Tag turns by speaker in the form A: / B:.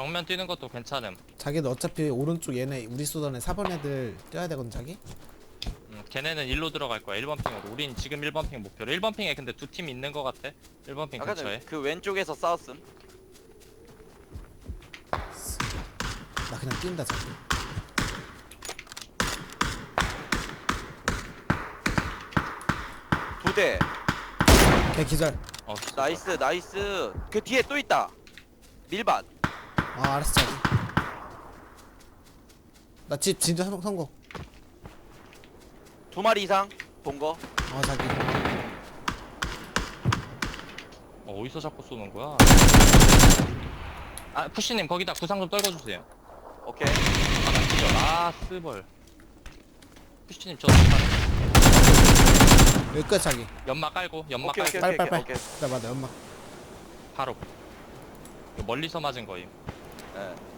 A: 정면 뛰는 것도 괜찮음.
B: 자기도 어차피 오른쪽 얘네 우리 쏘던 애 4번 애들 뛰어야 되거든 자기?
A: 걔네는 일로 들어갈 거야. 1번 핑으로. 우린 지금 1번 핑 목표로. 1번 핑에 근데 두 팀 있는 거 같아. 1번 핑
C: 아까
A: 근처에.
C: 전에 그 왼쪽에서 싸웠음.
B: 나 그냥 뛴다 자기.
C: 두 대.
B: 걔 기절.
C: 나이스 나이스. 그 뒤에 또 있다. 밀밭.
B: 아 알았어 자기. 나 집 진짜 성공.
C: 두 마리 이상 본 거.
B: 자기.
A: 어디서 자꾸 쏘는 거야? 아 푸시님 거기다 구상 좀 떨궈주세요.
C: 오케이.
A: 아 스벌. 푸시님 저
B: 여기 끝 자기.
A: 연막 깔고 연막
C: 오케이,
A: 깔고
C: 오케이.
B: 빨빨빨.
C: 오케이.
B: 나 맞아 연막.
A: 바로 멀리서 맞은 거임.
C: 예.